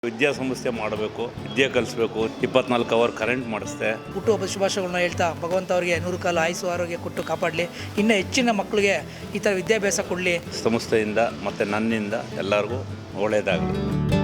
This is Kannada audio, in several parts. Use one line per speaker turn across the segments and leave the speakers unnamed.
ವಿದ್ಯಾಸಂಸ್ಥೆ ಮಾಡಬೇಕು, ವಿದ್ಯೆ ಕಲಿಸ್ಬೇಕು, 24 ಅವರ್ ಕರೆಂಟ್ ಮಾಡಿಸ್ದೆ.
ಹುಟ್ಟುಹಬ್ಬ ಶುಭಾಶಯಗಳನ್ನ ಹೇಳ್ತಾ ಭಗವಂತ ಅವರಿಗೆ 100 ಕಾಲ ಆಯುಸ್ಸು ಆರೋಗ್ಯ ಕೊಟ್ಟು ಕಾಪಾಡಲಿ. ಇನ್ನು ಹೆಚ್ಚಿನ ಮಕ್ಕಳಿಗೆ ಈ ಥರ ವಿದ್ಯಾಭ್ಯಾಸ ಕೊಡಲಿ.
ಸಂಸ್ಥೆಯಿಂದ ಮತ್ತು ನನ್ನಿಂದ ಎಲ್ಲರಿಗೂ ಒಳ್ಳೆಯದಾಗಲಿ.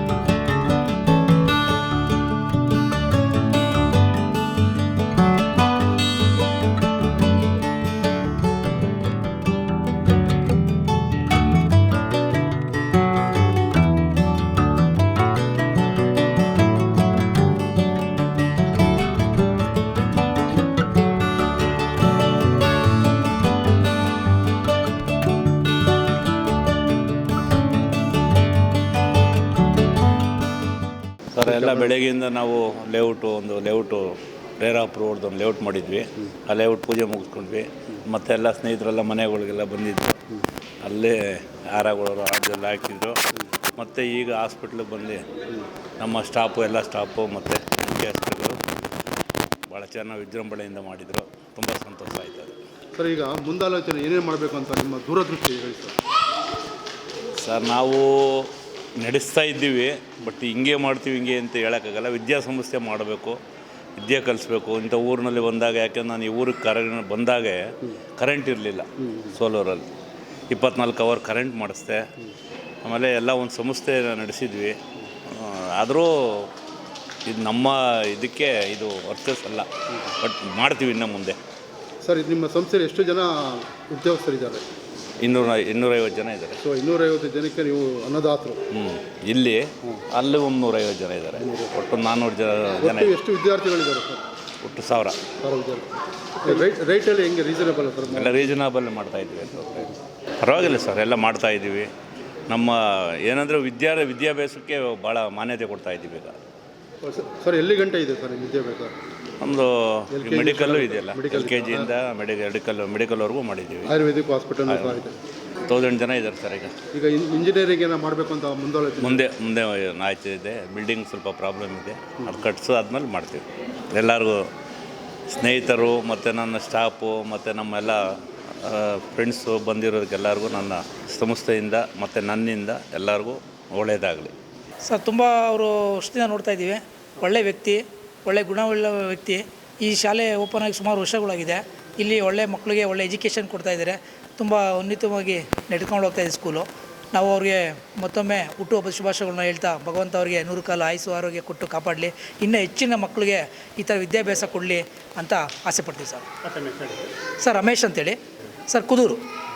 ಸರ್, ಎಲ್ಲ ಬೆಳಗ್ಗೆಯಿಂದ ನಾವು ಒಂದು ಲೇಔಟು ರೇರಾಪ್ ರೋಡ್ದು ಒಂದು ಲೇಔಟ್ ಮಾಡಿದ್ವಿ. ಆ ಲೇಔಟ್ ಪೂಜೆ ಮುಗಿಸ್ಕೊಂಡ್ವಿ. ಮತ್ತು ಎಲ್ಲ ಸ್ನೇಹಿತರೆಲ್ಲ ಮನೆಗಳಿಗೆಲ್ಲ ಬಂದಿದ್ದರು. ಅಲ್ಲೇ ಹಾರಗಳು ಅದೆಲ್ಲ ಹಾಕಿದ್ರು. ಮತ್ತು ಈಗ ಹಾಸ್ಪಿಟ್ಲಿಗೆ ಬಂದು ನಮ್ಮ ಎಲ್ಲ ಸ್ಟಾಫು ಮತ್ತು ಮುಖ್ಯಸ್ಥರುಗಳು ಭಾಳ ಚೆನ್ನಾಗಿ ವಿಜೃಂಭಣೆಯಿಂದ ಮಾಡಿದರು. ತುಂಬ ಸಂತೋಷ ಆಯ್ತದೆ.
ಸರ್, ಈಗ ಮುಂದಾಲೋಚನೆ ಏನೇನು ಮಾಡಬೇಕು ಅಂತ ನಿಮ್ಮ ದೂರದೃಷ್ಟಿ ಹೇಳಿ
ಸರ್. ನಾವು ನಡೆಸ್ತಾ ಇದ್ದೀವಿ, ಬಟ್ ಹಿಂಗೆ ಮಾಡ್ತೀವಿ ಹಿಂಗೆ ಅಂತ ಹೇಳೋಕ್ಕಾಗಲ್ಲ. ವಿದ್ಯಾಸಂಸ್ಥೆ ಮಾಡಬೇಕು, ವಿದ್ಯೆ ಕಲಿಸ್ಬೇಕು. ಇಂಥ ಊರಿನಲ್ಲಿ ಬಂದಾಗ, ಯಾಕೆಂದ್ರೆ ನಾನು ಈ ಊರಿಗೆ ಬಂದಾಗ ಕರೆಂಟ್ ಇರಲಿಲ್ಲ. ಸೋಲೂರಲ್ಲಿ 24 ಅವರ್ ಕರೆಂಟ್ ಮಾಡಿಸ್ದೆ. ಆಮೇಲೆ ಎಲ್ಲ ಒಂದು ಸಂಸ್ಥೆ ನಡೆಸಿದ್ವಿ. ಆದರೂ ಇದು ನಮ್ಮ ಇದಕ್ಕೆ ಇದು ವರ್ಚಸ್ ಅಲ್ಲ, ಬಟ್ ಮಾಡ್ತೀವಿ ಇನ್ನು ಮುಂದೆ.
ಸರ್, ನಿಮ್ಮ ಸಂಸ್ಥೆಯಲ್ಲಿ ಎಷ್ಟು ಜನ ಉದ್ಯೋಗಸ್ಥರಿದ್ದಾರೆ?
250 ಜನ ಇದ್ದಾರೆ.
ಸೊ 250 ಜನಕ್ಕೆ ನೀವು ಅನ್ನದಾತರು.
ಇಲ್ಲಿ ಅಲ್ಲಿ 150 ಜನ ಇದ್ದಾರೆ. ಒಟ್ಟು 400 ಜನ.
ಎಷ್ಟು ವಿದ್ಯಾರ್ಥಿಗಳಿದ್ದಾರೆ ಸರ್?
ಒಟ್ಟು 1000
ವಿದ್ಯಾರ್ಥಿ. ರೈಟಲ್ಲಿ ಹೆಂಗೆ ರೀಸನೇಬಲ್ ಸರ್?
ಎಲ್ಲ ರೀಸನಬಲ್ ಮಾಡ್ತಾಯಿದ್ವಿ. ಪರವಾಗಿಲ್ಲ ಸರ್, ಎಲ್ಲ ಮಾಡ್ತಾಯಿದ್ದೀವಿ. ನಮ್ಮ ಏನಂದರೆ ವಿದ್ಯಾಭ್ಯಾಸಕ್ಕೆ ಭಾಳ ಮಾನ್ಯತೆ ಕೊಡ್ತಾಯಿದ್ದೀವಿ ಈಗ.
ಸರ್, ಎಲ್ಲಿ ಗಂಟೆ ಇದೆ ಸರ್ ವಿದ್ಯಾಭ್ಯಾಸ?
ನಮ್ಮದು ಮೆಡಿಕಲ್ಲು ಇದೆಯಲ್ಲ, LKG ಇಂದ ಮೆಡಿಕಲ್ವರೆಗೂ ಮಾಡಿದ್ದೀವಿ.
ಆಯುರ್ವೇದಿಕ್ ಹಾಸ್ಪಿಟಲ್
1000 ಜನ ಇದ್ದಾರೆ ಸರ್. ಈಗ
ಇಂಜಿನಿಯರಿಂಗ್ ಏನೋ ಮಾಡಬೇಕು ಅಂತ
ಮುಂದೆ ಆಯ್ತು ಇದೆ. ಬಿಲ್ಡಿಂಗ್ ಸ್ವಲ್ಪ ಪ್ರಾಬ್ಲಮ್ ಇದೆ, ಅದು ಕಟ್ಸೋದಾದ್ಮೇಲೆ ಮಾಡ್ತೀವಿ. ಎಲ್ಲರಿಗೂ ಸ್ನೇಹಿತರು ಮತ್ತು ನನ್ನ ಸ್ಟಾಫು ಮತ್ತು ನಮ್ಮೆಲ್ಲ ಫ್ರೆಂಡ್ಸು ಬಂದಿರೋದಕ್ಕೆಲ್ಲರಿಗೂ ನನ್ನ ಸಂಸ್ಥೆಯಿಂದ ಮತ್ತು ನನ್ನಿಂದ ಎಲ್ಲರಿಗೂ ಒಳ್ಳೆಯದಾಗಲಿ.
ಸರ್, ತುಂಬ ಅವರು ವರ್ಷದಿಂದ ನೋಡ್ತಾ ಇದ್ದೀವಿ. ಒಳ್ಳೆಯ ವ್ಯಕ್ತಿ, ಒಳ್ಳೆ ಗುಣವುಳ್ಳ ವ್ಯಕ್ತಿ. ಈ ಶಾಲೆ ಓಪನ್ ಆಗಿ ಸುಮಾರು ವರ್ಷಗಳಾಗಿದೆ. ಇಲ್ಲಿ ಒಳ್ಳೆ ಮಕ್ಕಳಿಗೆ ಒಳ್ಳೆ ಎಜುಕೇಷನ್ ಕೊಡ್ತಾಯಿದ್ದಾರೆ. ತುಂಬ ಉನ್ನತವಾಗಿ ನಡ್ಕೊಂಡು ಹೋಗ್ತಾಯಿದೆ ಸ್ಕೂಲು. ನಾವು ಅವ್ರಿಗೆ ಮತ್ತೊಮ್ಮೆ ಹುಟ್ಟುಹಬ್ಬದ ಶುಭಾಶಯಗಳನ್ನ ಹೇಳ್ತಾ ಭಗವಂತ ಅವರಿಗೆ 100 ಕಾಲ ಆಯುಸ್ಸು ಆರೋಗ್ಯ ಕೊಟ್ಟು ಕಾಪಾಡಲಿ. ಇನ್ನು ಹೆಚ್ಚಿನ ಮಕ್ಕಳಿಗೆ ಈ ಥರ ವಿದ್ಯಾಭ್ಯಾಸ ಕೊಡಲಿ ಅಂತ ಆಸೆ ಪಡ್ತೀವಿ ಸರ್. ಸರ್, ರಮೇಶ್ ಅಂತೇಳಿ ಸರ್, ಕುದೂರು.